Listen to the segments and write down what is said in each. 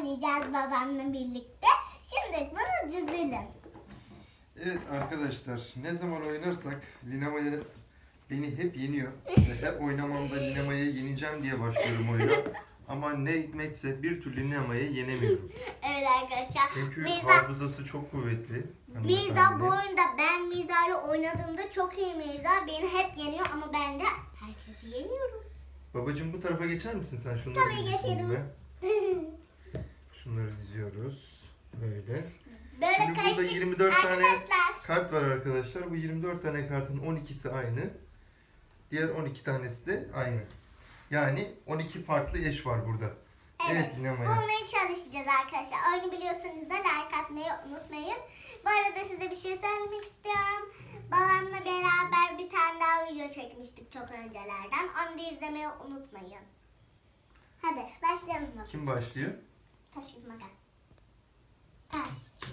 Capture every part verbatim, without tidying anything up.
oynayacağız babamla birlikte. Şimdi bunu dizelim. Evet arkadaşlar, ne zaman oynarsak Lina Maya beni hep yeniyor. Ve her oynamamda Lina Maya'yı yeneceğim diye başlıyorum oyuna. Ama ne hikmetse bir türlü Lina Maya'yı yenemiyorum. Evet arkadaşlar. Çünkü Mirza, hafızası çok kuvvetli. Mirza hanımefendi. bu oyunda ben Mirza ile oynadığımda çok iyi Mirza. Beni hep yeniyor ama ben de herkesi yeniyorum. Babacığım bu tarafa geçer misin sen? Şunları Tabii bir dizeyim geçerim. ben. Şunları diziyoruz. Böyle. Böyle Şimdi burada karışık yirmi dört tane arkadaşlar. kart var arkadaşlar. Bu yirmi dört tane kartın on ikisi aynı. Diğer on iki tanesi de aynı. Yani on iki farklı eş var burada. Evet, Evet Lina Maya. bulmaya çalışacağız arkadaşlar. Oyunu biliyorsanız da like atmayı unutmayın. Bu arada size bir şey söylemek istiyorum. Babamla beraber bir tane daha video çekmiştik çok öncelerden. Onu da izlemeyi unutmayın. Hadi başlayalım bakalım. Kim başlıyor? Taş kağıt makas. Taş.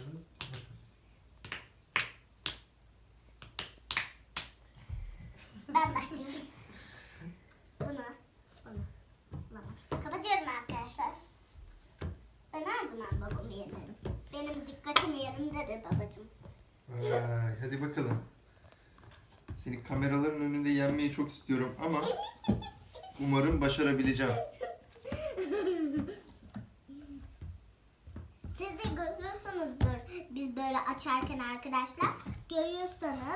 Ben başlıyorum. Bunu, bunu, bunu. Kapatıyorum arkadaşlar. Ben her zaman babamı yenerim. Benim dikkatim yerimdedir babacığım. Vay, hadi bakalım. Seni kameraların önünde yenmeyi çok istiyorum ama umarım başarabileceğim. Siz de görüyorsunuzdur biz böyle açarken arkadaşlar. Görüyorsanız.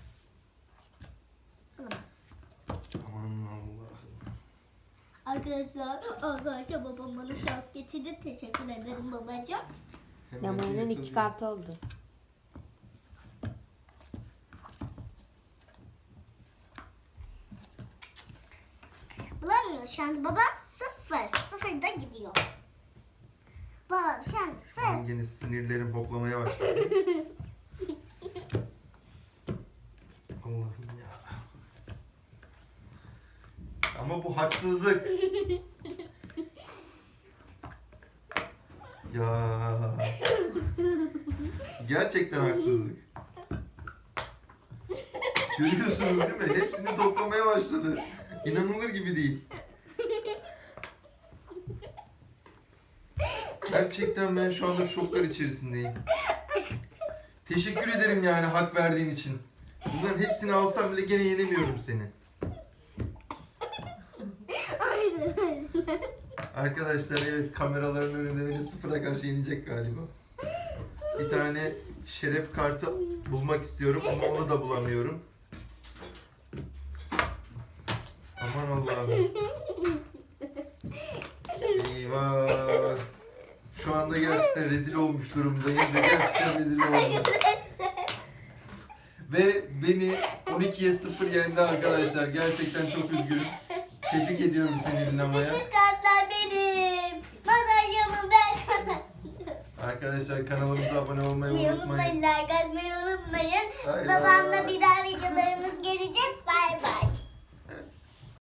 Aman Allah'ım. Arkadaşlar, arkadaşlar babam bana şans getirdi. Teşekkür ederim babacığım. Hemen Lamaya'nın iki yakalayayım. kartı oldu. Bulamıyor şu an babam sıfır. Sıfırda gidiyor. Babam şu an sıfır. Yine sinirlerim hoplamaya başladı. Allah'ım ya. Ama bu haksızlık. Ya. Gerçekten haksızlık. Görüyorsunuz değil mi? Hepsini toplamaya başladı. İnanılır gibi değil. Gerçekten ben şu anda şoklar içerisindeyim. Teşekkür ederim yani hak verdiğin için. Bunların hepsini alsam bile gene yenemiyorum seni. Arkadaşlar evet kameraların önünde beni sıfıra karşı yenecek galiba. Bir tane şeref kartı bulmak istiyorum ama onu da bulamıyorum. Aman Allah'ım. Eyvah. Şu anda gerçekten rezil olmuş durumdayım ve gerçekten rezil oldum. Ve beni on ikiye sıfır yendi arkadaşlar. Gerçekten çok üzgünüm. Tebrik ediyorum seni Lina Maya. Bütün kartlar benim. Madalyamı ben kazandım. Arkadaşlar kanalımıza abone olmayı Unutmayın, unutmayın. like atmayı unutmayın. Bay Babamla bay. bir daha videolarımız gelecek. Bay bay.